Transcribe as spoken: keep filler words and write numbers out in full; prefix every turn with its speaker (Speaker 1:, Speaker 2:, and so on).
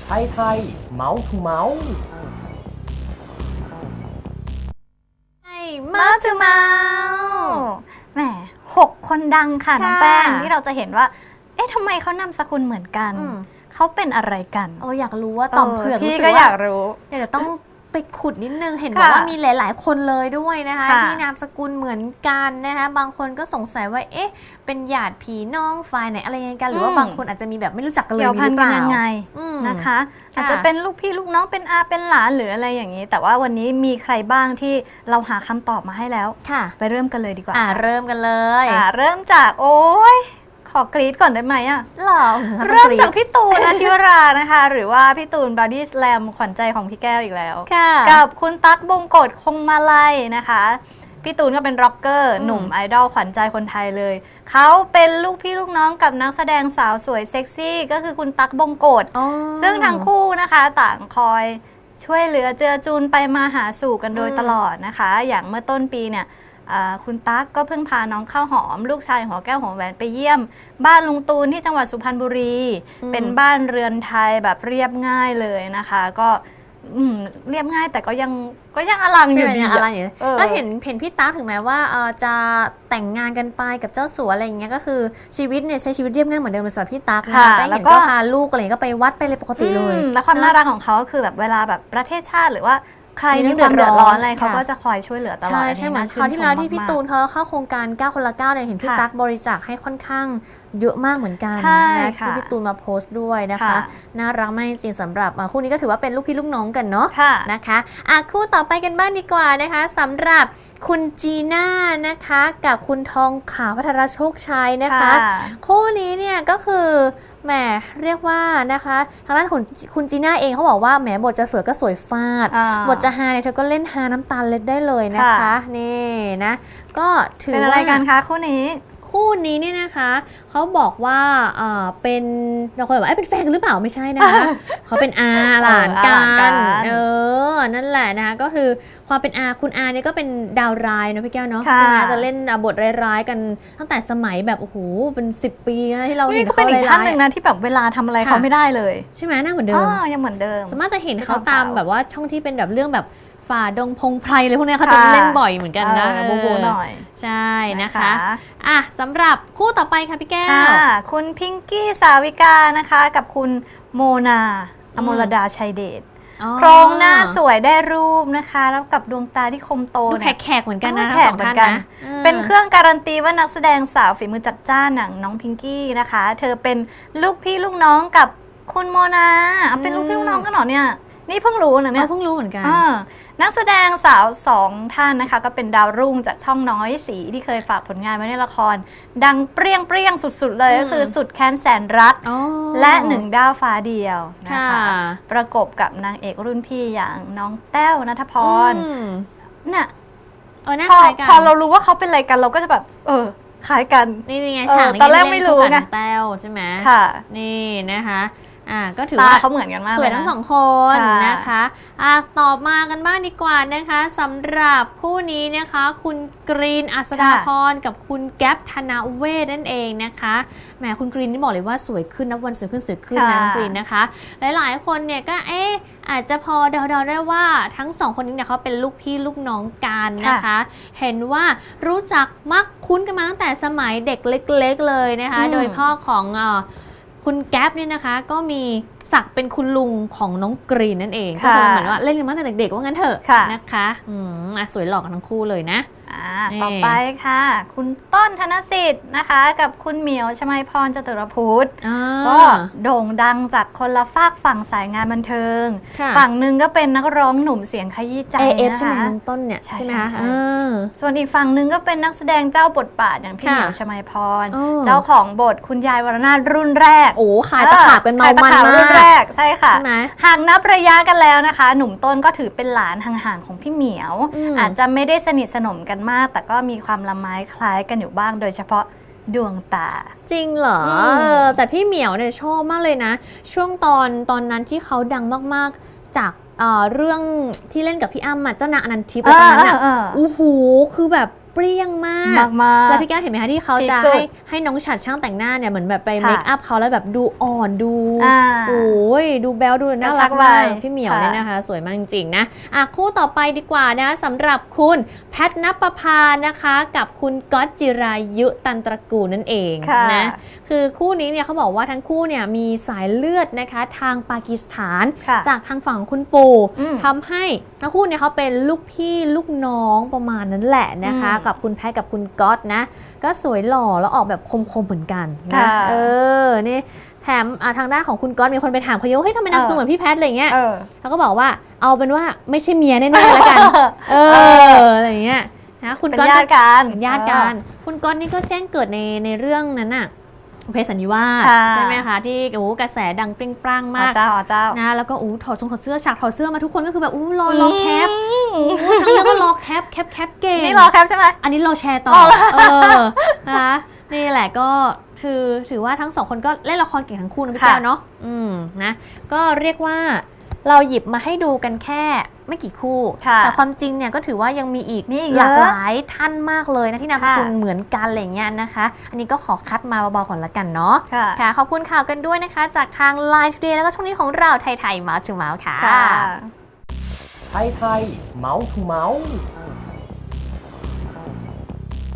Speaker 1: ไทยไทยเมาส์ทูเมาส์
Speaker 2: ใช่มาจูเมาแหมหกคนดังค่ะน้องแป้งที่เราจะเห็นว่าเอ๊ะทำไมเขานามสกุลเหมือนกันเขาเป็นอะไรกัน
Speaker 3: โอ้อยากรู้ว่าต่อมเผือก
Speaker 2: พี่ก็อยากรู้
Speaker 3: อยากจะต้องไปขุดนิดนึงเห็นบอกว่ามีหลายๆคนเลยด้วยนะคะที่นามสกุลเหมือนกันนะคะบางคนก็สงสัยว่าเอ๊ะเป็นญาติพี่น้องฝ่ายไหนอะไรยังไงกันหรือว่าบางคนอาจจะมีแบบไม่รู้จักกันเลยหรือเปล่า
Speaker 2: ยังไงนะคะอาจจะเป็นลูกพี่ลูกน้องเป็นอาเป็นหลานหรืออะไรอย่างนี้แต่ว่าวันนี้มีใครบ้างที่เราหาคำตอบมาให้แล้วไปเริ่มกันเลยดีกว่า
Speaker 3: อ่าเริ่มกันเลย
Speaker 2: อ่าเริ่มจากโอ้ยขอกรี๊ดก่อนได้ไหมอ่ะ
Speaker 3: หรอ
Speaker 2: เริ่มจากพี่ตูนอาทิวรานะคะหรือว่าพี่ตูนบอดี้สแลมขวัญใจของพี่แก้วอีกแล้วกับคุณตั๊กบงกฎคงมาลัยนะคะพี่ตูนก็เป็นร็อกเกอร์หนุ่มไอดอลขวัญใจคนไทยเลยเขาเป็นลูกพี่ลูกน้องกับนักแสดงสาวสวยเซ็กซี่ก็คือคุณตั๊กบงกฎซึ่งทั้งคู่นะคะต่างคอยช่วยเหลือเจือจูนไปมาหาสู่กันโดยตลอดนะคะอย่างเมื่อต้นปีเนี่ยคุณตั๊กก็เพิ่งพาน้องข้าวหอมลูกชายหัวแก้วหัวแหวนไปเยี่ยมบ้านลุงตูนที่จังหวัดสุพรรณบุรีเป็นบ้านเรือนไทยแบบเรียบง่ายเลยนะคะก็เรียบง่ายแต่ก็ยังก็ยังอลังอยู่ดี
Speaker 3: อะไรอย่างเงี้ยก็เห็นเห็นพี่ตั๊กถึงแม้ว่าจะแต่งงานกันไปกับเจ้าสัวอะไรอย่างเงี้ยก็คือชีวิตเนี่ยใช้ชีวิตเรียบง่ายเหมือนเดิมสำหรับพี่ตั๊กนะคะแต่เห็นก็พาลูกอะไรก็ไปวัดไปเลยปกติเลย
Speaker 2: แล้วความน่ารักของเขาคือแบบเวลาแบบประเทศชาติหรือว่าใครมีความเดือดร้อนอะไรเขาก็จะคอยช่วยเหลือตลอด
Speaker 3: ใช่ใช่เหมือนคราวที่แล้วที่พี่ตูนเขาเข้าโครงการเก้าคนละเก้าเนี่ยเห็นพี่ตั๊กบริจาคให้ค่อนข้างเยอะมากเหมือนกันนะที่พี่ตูนมาโพสต์ด้วยนะคะน่ารักมากจริงๆสำหรับคู่นี้ก็ถือว่าเป็นลูกพี่ลูกน้องกันเนาะนะคะอ่ะคู่ต่อไปกันบ้างดีกว่านะคะสำหรับคุณจีน่านะคะกับคุณทองขาวพัทรโชคชัยนะคะคู่นี้เนี่ยก็คือแหมเรียกว่านะคะทางด้านของคุณจีน่าเองเขาบอกว่าแหมบทจะสวยก็สวยฟาดบทจะฮาเนี่ยเธอก็เล่นฮาน้ำตาลเล็ดได้เลยนะคะนี่นะก็ถือ
Speaker 2: เป็นอะไรกันคะคู่นี้
Speaker 3: คู่นี้เนี่ยนะคะเขาบอกว่าเออเป็นเราเคยบอกว่าเป็นแฟนกันหรือเปล่าไม่ใช่นะคะเขาเป็นอาหลานกันเออนั่นแหละนะคะก็คือความเป็นอาคุณอาเนี่ยก็เป็นดาวร้ายเนาะพี่แก้วเนาะใช่ไหมจะเล่นบทร้ายๆกันตั้งแต่สมัยแบบโอ้โหเป็นสิบปีนะที่เราเห็นเขา
Speaker 2: เป็นอีกท่านหนึ่งนะที่แบบเวลาทำอะไรเขาไม่ได้เลย
Speaker 3: ใช่ไหมหน้าเหมือนเดิม
Speaker 2: ยังเหมือนเดิม
Speaker 3: สามารถจะเห็นเขาตามแบบว่าช่องที่เป็นแบบเรื่องแบบฝ่าดงพงไพรเลยพวกนี้เขาจะเล่นบ่อยเหมือนกันนะโบโบหน่อยใช่นะคะอ่ะสำหรับคู่ต่อไปค่ะพี่แก้ว
Speaker 2: คุณพิงกี้สาวิกานะคะกับคุณโมนาอมรดาชัยเดชโครงหน้าสวยได้รูปนะคะแล้วกับดวงตาที่คมโต
Speaker 3: ดูแขกๆเหมือนกันนะ
Speaker 2: แขกเหมือนกันเป็นเครื่องการันตีว่านักแสดงสาวฝีมือจัดจ้านอย่างน้องพิงกี้นะคะเธอเป็นลูกพี่ลูกน้องกับคุณโมนาเป็นลูกพี่ลูกน้องกันเหรอเนี่ยนี่เพิ่งรู้นะเนี่ย
Speaker 3: เพิ่งรู้เหมือนกัน
Speaker 2: นักแสดงสาวสองท่านนะคะก็เป็นดาวรุ่งจากช่องน้อยสีที่เคยฝากผลงานไว้ในละครดังเปรี้ยงเปรี้ยงสุดๆเลยก็คือสุดแค้นแสนรักและหนึ่งดาวฟ้าเดียวนะคะประกบกับนางเอกรุ่นพี่อย่างน้องแต้วณัฐพรเนี่ยพอพอเรารู้ว่าเขาเป็นอะไรกันเราก็จะแบบเออคล้ายกัน
Speaker 3: นี่ไงฉากนี้ตอนแรกไม่รู้ไงแต้วใช่ไหม
Speaker 2: ค่ะ
Speaker 3: นี่นะคะอ่าก็ถือว่า
Speaker 2: เขาเหมือนกันมาก
Speaker 3: สวยทั้งสองคนนะคะอ่ะตอบมากันบ้างดีกว่านะคะสำหรับคู่นี้นะคะคุณกรีนอัศดาพรกับคุณแก๊ปธนาเวทนั่นเองนะคะแหมคุณกรีนนี่บอกเลยว่าสวยขึ้นนับวันสวยขึ้นสวยขึ้นนะกรีนนะคะหลายๆคนเนี่ยก็เอ๊ะอาจจะพอเดาๆได้ว่าทั้งสองคนนี้เนี่ยเขาเป็นลูกพี่ลูกน้องกันนะคะเห็นว่ารู้จักมักคุ้นกันมาตั้งแต่สมัยเด็กเล็กๆเลยนะคะโดยพ่อของคุณแก๊ปเนี่ยนะคะก็มีศักดิ์เป็นคุณลุงของน้องกรีนนั่นเองก็คือเหมือนว่าเล่นกันมาตั้งแต่เด็กๆว่างั้นเถอะนะคะอืมสวยหล่อกันทั้งคู่เลยนะ
Speaker 2: ต่อไปค่ะคุณต้นธนสิทธิ์นะคะกับคุณเหมียวชมัยพรจตุรพุทธก็โด่งดังจากคนละฝากฝั่งสายงานบันเทิงฝั่งหนึ่งก็เป็นนักร้องหนุ่มเสียงขยี้ใจ
Speaker 3: นะคะใช่ไหมน้องต้นเนี่ย
Speaker 2: ใช่ไหมส่วนอีกฝั่งหนึ่งก็เป็นนักแสดงเจ้าบทบาทอย่างพี่เหมียวชมัยพรเจ้าของบทคุณยายวรนาถรุ่นแรก
Speaker 3: โอ้ขายตะขาบเป็นเมามันมาก
Speaker 2: รุ่นแรกใช่ค่ะหากนับระยะกันแล้วนะคะหนุ่มต้นก็ถือเป็นหลานห่างๆของพี่เหมียวอาจจะไม่ได้สนิทสนมกันมากแต่ก็มีความละไม้คล้ายกันอยู่บ้างโดยเฉพาะดวงตา
Speaker 3: จริงเหรอเออแต่พี่เหมียวเนี่ยชอบมากเลยนะช่วงตอนตอนนั้นที่เขาดังมากๆจากเอ่อเรื่องที่เล่นกับพี่อ้ำเจ้านางอนันทิพย์ตอนนั้นอ่ะโอ้โหคือแบบเปรี้ยงมาก
Speaker 2: มากมาก
Speaker 3: แล้วพี่แก้วเห็นไหมคะที่เขาจะ
Speaker 2: ที่สุด
Speaker 3: ให้ให้น้องฉัดช่างแต่งหน้าเนี่ยเหมือนแบบไป
Speaker 2: ค่ะ
Speaker 3: เมคอัพเขาแล้วแบบดูอ่อนดู
Speaker 2: อ่า
Speaker 3: โอ้ยดูแบลดูน่ารัก
Speaker 2: กระชับวั
Speaker 3: มาก
Speaker 2: ย
Speaker 3: พี่เหมียว
Speaker 2: ค่ะ
Speaker 3: เนี่ยนะคะสวยมากจริงๆนะอ่ะคู่ต่อไปดีกว่านะสำหรับคุณแพทณปภานะคะกับคุณก๊อตจิรายุตันตระกูลนั่นเอง
Speaker 2: ค่ะ
Speaker 3: นะคือคู่นี้เนี่ยเขาบอกว่าทั้งคู่เนี่ยมีสายเลือดนะคะทางปากีสถาน
Speaker 2: ค่ะ
Speaker 3: จากทางฝั่งคุณปู่
Speaker 2: อืม
Speaker 3: ทำให้ทั้งคู่เนี่ยเขาเป็นลูกพี่ลูกน้องประมาณนั้นแหละนะคะ
Speaker 2: อืม
Speaker 3: กับคุณแพทกับคุณก๊อตนะก็สวยหล่อแล้วออกแบบคมๆเหมือนกันนะ
Speaker 2: ค่ะ
Speaker 3: เออนี่แถมอ่ะทางด้านของคุณก๊อตมีคนไปถามเขาเยอะว่าเฮ้ยทำไมนามสกุลเหมือนพี่แพทอะไรเงี้ย
Speaker 2: เออ
Speaker 3: เขาก็บอกว่าเอาเป็นว่าไม่ใช่เมียแน่ๆแล้วกันเอออะไรเงี้ยนะคุณ
Speaker 2: เป็น
Speaker 3: ก๊อต
Speaker 2: ญาติกัน
Speaker 3: เป็นญาติกันคุณก๊อตนี่ก็แจ้งเกิดในในเรื่องนั้นน่ะเพศสันนิวาส
Speaker 2: ค่ะ
Speaker 3: ใช่ไหมคะที่โอ้โหกระแสดังเปรี้ยงปร้าง
Speaker 2: อ๋อ
Speaker 3: มาก
Speaker 2: เจ้าอ๋อเจ้า
Speaker 3: นะแล้วก็อู้ถอดทรงถอดเสื้อฉากถอดเสื้อมาทุกคนก็คือแบบอู้รอรอแคปอู้ทั้งเรื่องก็รอแคปแคปแคปเก่ง
Speaker 2: นี่รอแคปใช่ไหม
Speaker 3: อันนี้เราแชร์ต่อ
Speaker 2: อ๋อ
Speaker 3: เออนะคะนี่แหละก็คือถือว่าทั้งสองคนก็เล่นละครเก่งทั้งคู่นะพี่
Speaker 2: ค่ะ
Speaker 3: แก้วเนาะอืมนะก็เรียกว่าเราหยิบมาให้ดูกันแค่ไม่กี่คู่
Speaker 2: ค่ะ
Speaker 3: แต่ความจริงเนี่ยก็ถือว่ายังมีอีก
Speaker 2: มีอีก
Speaker 3: หลาก
Speaker 2: เยอะ
Speaker 3: หลายท่านมากเลยนะที่นามสกุล
Speaker 2: ค่ะ
Speaker 3: เหมือนกันอะไรเงี้ยนะคะ อันนี้ก็ขอคัดมาเบาๆก่อนละกันเนาะ
Speaker 2: ค่ะ
Speaker 3: ค่ะขอบคุณข่าวกันด้วยนะคะ จากทาง ไลน์ Today แล้วก็ช่วงนี้ของเราไทยไทยเมาส์ทูเมาส์ค่ะ
Speaker 2: ค่ะ
Speaker 1: ไทยไทยเมาส์ทูเมาส์